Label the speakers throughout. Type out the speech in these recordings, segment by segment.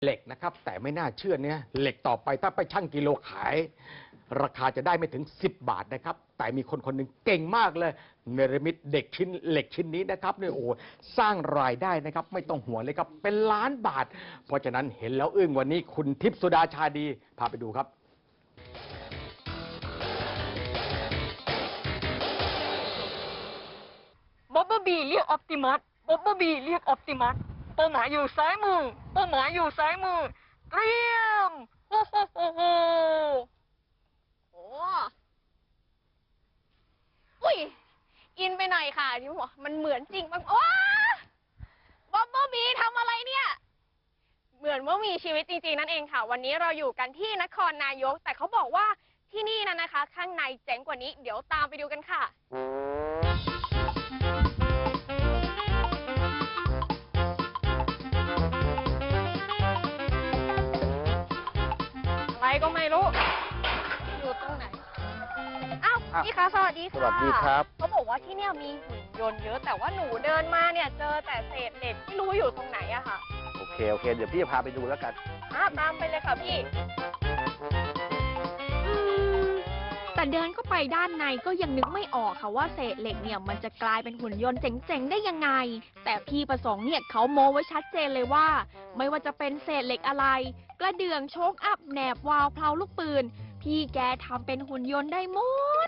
Speaker 1: เหล็กนะครับแต่ไม่น่าเชื่อเนี่ยเหล็กต่อไปถ้าไปชั่งกิโลขายราคาจะได้ไม่ถึง10 บาทนะครับแต่มีคนคนหนึ่งเก่งมากเลยเนรมิตเด็กชิ้นเหล็กชิ้นนี้นะครับเนี่ยโอ้สร้างรายได้นะครับไม่ต้องห่วงเลยครับเป็นล้านบาทเพราะฉะนั้นเห็นแล้วอึ้งวันนี้คุณทิพย์สุดาชาดีพาไปดูครับ
Speaker 2: บ๊อบบี้เรียกออปติมัสบ๊อบบี้เรียกออปติมัสเป้าหมายอยู่ซ้ายมือเป้าหมายอยู่ซ้ายมือเตรียมโอ้โหโอ้โหโอ้อุ้ยอินไปหน่อยค่ะที่หัวมันเหมือนจริงมากโอ้บ๊อบบี้ทำอะไรเนี่ยเหมือนว่ามีชีวิตจริงๆนั่นเองค่ะวันนี้เราอยู่กันที่นครนายกแต่เขาบอกว่าที่นี่นะคะข้างในเจ๋งกว่านี้เดี๋ยวตามไปดูกันค่ะก็ไม่รู้อยู่ตรงไหนอ้าวพี่คะสวัสดีค่ะ
Speaker 3: สวัสดีครับ
Speaker 2: เขาบอกว่าที่เนี่ยมีหุ่นยนต์เยอะแต่ว่าหนูเดินมาเนี่ยเจอแต่เศษเหล็กไม่รู้อยู่ตรงไหนอะค่ะ
Speaker 3: โอเคเดี๋ยวพี่จะพาไปดูแล้วกัน
Speaker 2: ตามไปเลยค่ะพี่
Speaker 4: แต่เดินเข้าไปด้านในก็ยังนึกไม่ออกค่ะว่าเศษเหล็กเนี่ยมันจะกลายเป็นหุ่นยนต์เจ๋งๆได้ยังไงแต่พี่ประสงค์เนี่ยเขาโม้ไว้ชัดเจนเลยว่าไม่ว่าจะเป็นเศษเหล็กอะไรกระเดื่องโชคอัพแหนบวาล์วเพลาลูกปืนพี่แกทำเป็นหุ่นยนต์ได้หมด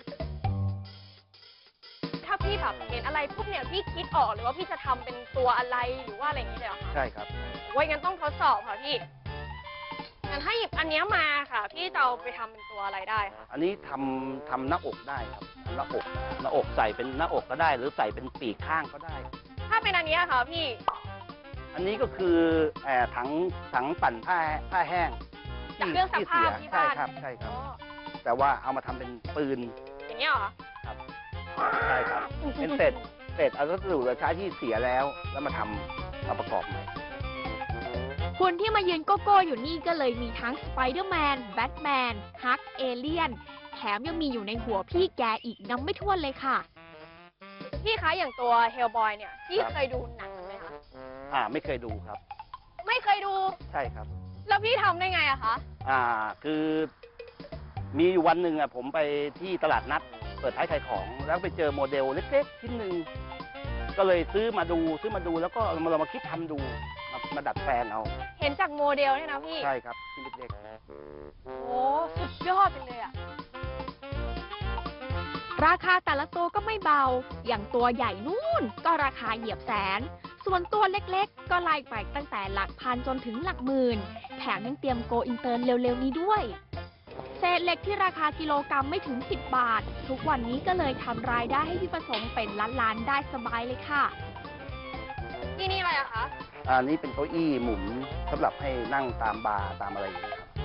Speaker 2: ถ้าพี่แบบเห็นอะไรปุ๊บเนี่ยพี่คิดออกหรือว่าพี่จะทำเป็นตัวอะไรหรือว่าอะไรอย่างนี้เลยเหรอคะ
Speaker 3: ใช่ครับ
Speaker 2: ไว้งั้นต้องทดสอบค่ะพี่งั้นถ้าหยิบอันนี้มาค่ะพี่จะเอาไปทำเป็นตัวอะไรได้คะ
Speaker 3: อันนี้ทำหน้าอกได้ครับหน้าอกใส่เป็นหน้าอกก็ได้หรือใส่เป็นปีกข้างก็ได้
Speaker 2: ถ้าเป็นอันนี้ค่ะพี่
Speaker 3: อันนี้ก็คือถังปั่นผ้าแห้ง
Speaker 2: จากเครื่องซักผ้าที่บ้าน
Speaker 3: ใช่ครับแต่ว่าเอามาทำเป็นปืน
Speaker 2: อย่างนี้เหรอ
Speaker 3: ครับใช่ครับเป็นเศษวัสดุเหลือใช้ที่เสียแล้วมาทำมาประกอบใหม่
Speaker 4: คนที่มายืนโก้โก้อยู่นี่ก็เลยมีทั้งสไปเดอร์แมนแบทแมนฮักเอเลี่ยนแถมยังมีอยู่ในหัวพี่แกอีกนับไม่ถ้วนเลยค่ะ
Speaker 2: พี่คะอย่างตัวเฮลบอยเนี่ยพี่เคยดูหนังไหมคะ
Speaker 3: ไม่เคยดูครับ
Speaker 2: ไม่เคยดู
Speaker 3: ใช่ครับ
Speaker 2: แล้วพี่ทำได้ไงอะคะ
Speaker 3: คือมีอยู่วันหนึ่งผมไปที่ตลาดนัดเปิดท้ายขายของแล้วไปเจอโมเดลเล็กๆชิ้นหนึ่งก็เลยซื้อมาดูแล้วก็เรามาคิดทำดูมาดัดแปลงเอา
Speaker 2: เห็นจากโมเดลเนี่ยนะพี่
Speaker 3: ใช่ครับชิ้นเล็ก
Speaker 2: ๆโอ้สุดยอดไปเลยอะ
Speaker 4: ราคาแต่ละตัวก็ไม่เบาอย่างตัวใหญ่นู่นก็ราคาเหยียบแสนส่วนตัวเล็กๆก็ไล่ไปตั้งแต่หลักพันจนถึงหลักหมื่นแถมยังเตรียมโกอินเตอร์เร็วๆนี้ด้วยเศษเหล็กที่ราคากิโลกรัมไม่ถึง10 บาททุกวันนี้ก็เลยทำรายได้ให้พี่ประสงค์เป็นล้านๆได้สบายเลยค่ะ
Speaker 2: ที่นี่อะไรอะคะ
Speaker 3: นี่เป็นเก้าอี้หมุนสำหรับให้นั่งตามบาร์ตามอะไรอย่างนี้ครับ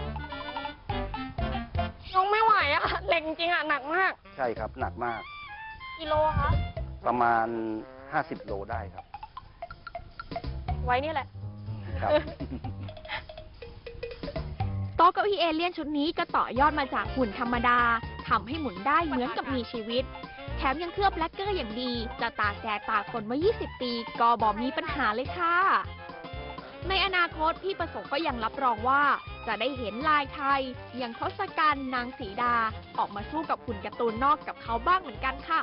Speaker 2: น้องไม่ไหวอะเหล็กจริงอะหนักมาก
Speaker 3: ใช่ครับหนักมาก
Speaker 2: กิโลคะ
Speaker 3: ประมาณ50 โลได้ครับ
Speaker 2: ไว้นี่แหละ
Speaker 3: ครับ
Speaker 4: โต๊ะเก้าอี้เอเลี่ยนชุดนี้ก็ต่อยอดมาจากหุ่นธรรมดาทำให้หมุนได้เหมือนกับมีชีวิตแถมยังเคลือบแลกเกอร์อย่างดีจะตากแดดตากฝนมา20 ปีก็บ่มีปัญหาเลยค่ะในอนาคตพี่ประสงค์ก็ยังรับรองว่าจะได้เห็นลายไทยอย่างทศกัณฐ์นางสีดาออกมาสู้กับหุ่นการ์ตูนนอกกับเขาบ้างเหมือนกันค่ะ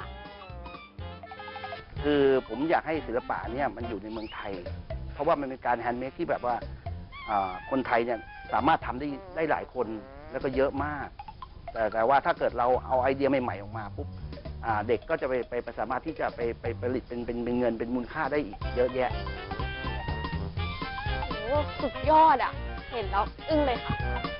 Speaker 3: คือผมอยากให้ศิลปะเนี่ยมันอยู่ในเมืองไทยเพราะว่ามันเป็นการแฮนด์เมดที่แบบว่าคนไทยเนี่ยสามารถทำได้หลายคนแล้วก็เยอะมากแต่ว่าถ้าเกิดเราเอาไอเดียใหม่ๆออกมาปุ๊บเด็กก็จะไปสามารถที่จะไปผลิตเป็นเงินเป็นมูลค่าได้อีกเยอะแยะ
Speaker 2: โอ้สุดยอดอ่ะเห็นแล้วอึ้งเลยค่ะ